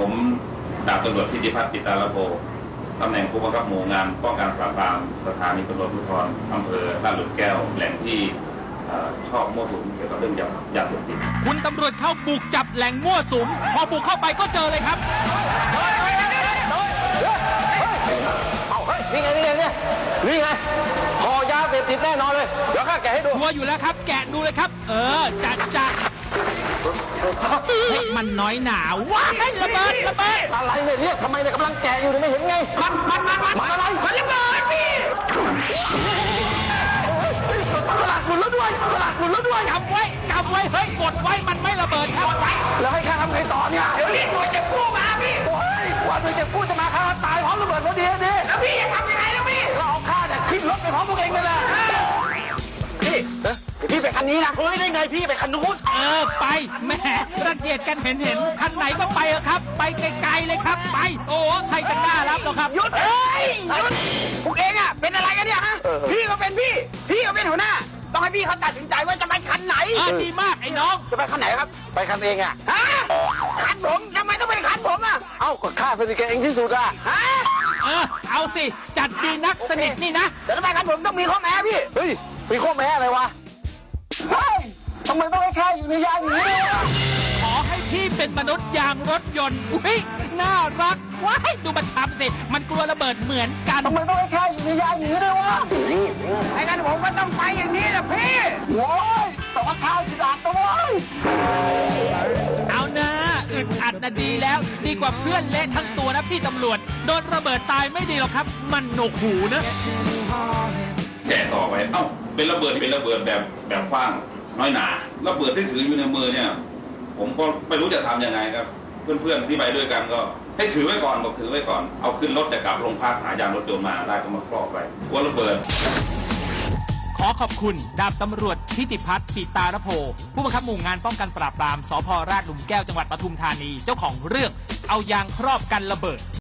ผมดาบตำรวจทิติพัฒน์ปิตาลโภตำแหน่งผู้บังคับหมู่งานป้องกันปราบปรามสถานีตำรวจภูธรอำเภอลาดหลุมแก้วแหล่งที่ชอบมั่วสุมเกี่ยวกับเรื่องยาเสพติดคุณตำรวจเข้าบุกจับแหล่งมั่วสุมพอบุกเข้าไปก็เจอเลยครับนี่ไงห่อยาเสพติดแน่นอนเลยเดี๋ยวข้าแกะให้ดูชัวร์อยู่แล้วครับแกะดูเลยครับจัดมันน้อยหนาว้ายระเบิดอะไรเนี่ยทำไมเนี่ยกำลังแกะอยู่เนี่ยไม่เห็นไงมันอะไรมันระเบิดพี่กระดาษหมุนแล้วด้วยกำไว้เฮ้ยกดไว้มันไม่ระเบิดครับแล้วให้ข้าทำไงต่อเนี่ยเดี๋ยวนี้หน่วยเก็บกู้มาพี่ว่าหน่วยเก็บกู้จะมาข้าตายพร้อมระเบิดพอดีแล้วพี่จะทำยังไงแล้วพี่เราเอาข้าเนี่ยขึ้นรถไปพร้อมพวกเองไปเลยพี่ไปคันนี้นะเฮ้ยได้ไงพี่ไปคันนู้นไปแหมรังเกียจกันเห็นคันไหนก็ไปเถอะครับไปไกลๆเลยครับไปโอ้ใครจะกล้ารับหรอครับหยุดพวกเองอ่ะเป็นอะไรกันเนี่ยฮะพี่ก็เป็นพี่ก็เป็นหัวหน้าต้องให้พี่เขาตัดสินใจว่าจะไปคันไหนดีมากไอ้น้องจะไปคันไหนครับไปคันเองอ่ะคันผมทำไมต้องเป็นคันผมอ่ะเอ้าก็ข้าสนิทกับเองที่สุดอ่ะเอาสิจัดดีนักสนิทนี่นะแต่ทำไมคันผมต้องมีข้อแม้พี่เฮ้ยมีข้อแม้อะไรวะทำไมต้องให้ข้าอยู่ในยานอย่างนี้ด้วยขอให้พี่เป็นมนุษย์ยางรถยนต์อุ้ยน่ารักว้ายดูมันทำสิมันกลัวระเบิดเหมือนกันทำไมต้องให้ข้าอยู่ในยานอย่างนี้ด้วยวะไอ้กันผมก็ต้องไปอย่างนี้นะพี่โว้ยแต่ว่าข้าจะดักตัวเอานะอึดอัดนะดีแล้วดีกว่าเพื่อนเละทั้งตัวนะพี่ตำรวจโดนระเบิดตายไม่ดีหรอกครับมันหนวกหูนะแกะต่อไปเป็นระเบิดแบบกว้างน้อยหนาระเบิดที่ถืออยู่ในมือเนี่ยผมก็ไม่รู้จะทำยังไงครับเพื่อนๆที่ไปด้วยกันก็ให้ถือไว้ก่อนบอกถือไว้ก่อนเอาขึ้นรถจะกลับโรงพักหายางรถยนต์มาได้ก็มาครอบไว้กลัวระเบิดขอขอบคุณดาบตำรวจทิติพัฒน์ปิตาลโภผู้บังคับหมู่งานป้องกันปราบปรามสภ.ลาดหลุมแก้วจังหวัดปทุมธานีเจ้าของเรื่องเอายางครอบกันระเบิด